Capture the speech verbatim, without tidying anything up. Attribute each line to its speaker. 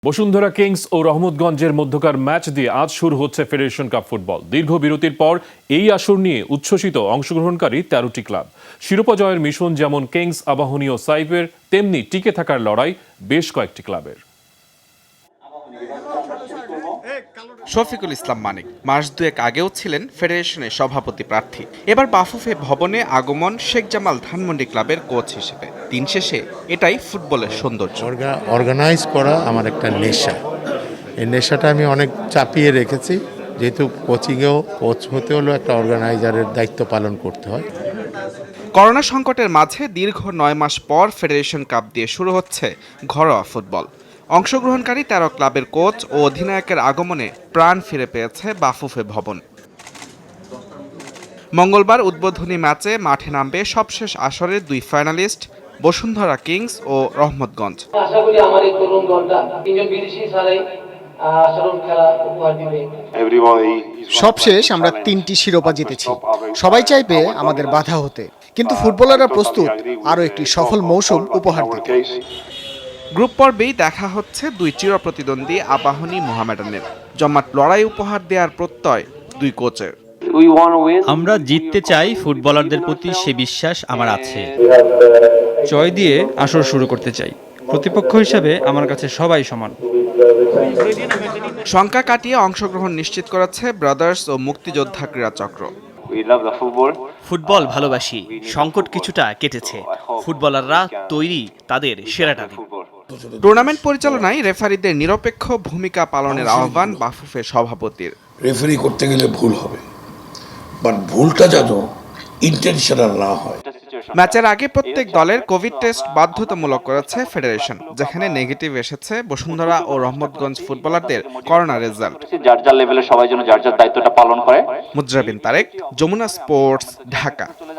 Speaker 1: Bashundhara Kings ও রহমতগঞ্জের মধ্যকার match দিয়ে আজ শুরু হচ্ছে ফেডারেশন কাপ ফুটবল। দীর্ঘ বিরতির পর এই আসর নিয়ে উচ্ছ্বসিত অংশগ্রহণকারী তেরোটি ক্লাব। শিরোপা জয়ের মিশন যেমন কিংস, আবাহনী ও সাইফের, তেমনি টিকে থাকার লড়াই বেশ কয়েকটি ক্লাবের।
Speaker 2: শফিকুল ইসলাম মানিক মাস দুয়েক আগেও ছিলেন ফেডারেশনের সভাপতি প্রার্থী। এবার বাফুফে ভবনে আগমন শেখ জামাল ধানমন্ডি ক্লাবের কোচ হিসেবে। দিন শেষে এটাই ফুটবলের সৌন্দর্য।
Speaker 3: অর্গানাইজ করা আমার একটা নেশা। এই নেশাটা আমি অনেক চাপিয়ে রেখেছি, যেহেতু কোচিংয়েও কোচ হতে হলেও একটা অর্গানাইজারের দায়িত্ব পালন করতে হয়।
Speaker 2: করোনা সংকটের মাঝে দীর্ঘ নয় মাস পর ফেডারেশন কাপ দিয়ে শুরু হচ্ছে ঘরোয়া ফুটবল। অংশগ্রহণকারী তেরো ক্লাবের কোচ ও অধিনায়কের আগমনে প্রাণ ফিরে পেয়েছে বাফুফে ভবন। মঙ্গলবার উদ্বোধনী ম্যাচে মাঠে নামবে সবশেষ আসরের দুই ফাইনালিস্ট বসুন্ধরা কিংস ও রহমতগঞ্জ।
Speaker 4: আশা করি আমার এই তরুণ দলটা তিনজন বিদেশি ছাড়াই আসারণ খেলা উপহার দিবে।
Speaker 5: সবশেষ আমরা তিনটি শিরোপা জিতেছি। সবাই চাইবে আমাদের বাধা হতে, কিন্তু ফুটবলাররা প্রস্তুত আরও একটি সফল মৌসুম উপহার দিতে।
Speaker 2: গ্রুপ পর্বেই দেখা হচ্ছে দুই চিরপ্রতিদ্বন্দ্বী আবাহনী মোহামেডানের। জমাট লড়াই উপহার দেওয়ার প্রত্যয় দুই কোচের।
Speaker 6: আমরা জিততে চাই, ফুটবলারদের প্রতি সে বিশ্বাস আমার আছে। জয় দিয়ে আসর শুরু করতে চাই। প্রতিপক্ষ হিসেবে আমার কাছে সবাই সমান।
Speaker 2: শঙ্কা কাটিয়ে অংশগ্রহণ নিশ্চিত করেছে ব্রাদার্স ও মুক্তিযোদ্ধা ক্রীড়া চক্র।
Speaker 7: ফুটবল ভালোবাসি, সংকট কিছুটা কেটেছে, ফুটবলাররা তৈরি তাদের সেরাটা দিন।
Speaker 2: টুর্নামেন্ট পরিচালনায় রেফারিদের নিরপেক্ষ ভূমিকা পালনের আহ্বান বাফুফে সভাপতির।
Speaker 8: রেফারি করতে গেলে ভুল হবে, বাট ভুলটা যেন ইন্টেনশনাল না হয়।
Speaker 2: ম্যাচের আগে প্রত্যেক দলের কোভিড টেস্ট বাধ্যতামূলক করেছে ফেডারেশন, যেখানে নেগেটিভ এসেছে বসুন্ধরা ও রহমতগঞ্জ ফুটবলারদের করোনা রেজাল্ট।
Speaker 9: যার যার লেভেলে সবাই যেন যার যার দায়িত্বটা পালন করে।
Speaker 2: মুজরাবিন তারেক, যমুনা স্পোর্টস, ঢাকা।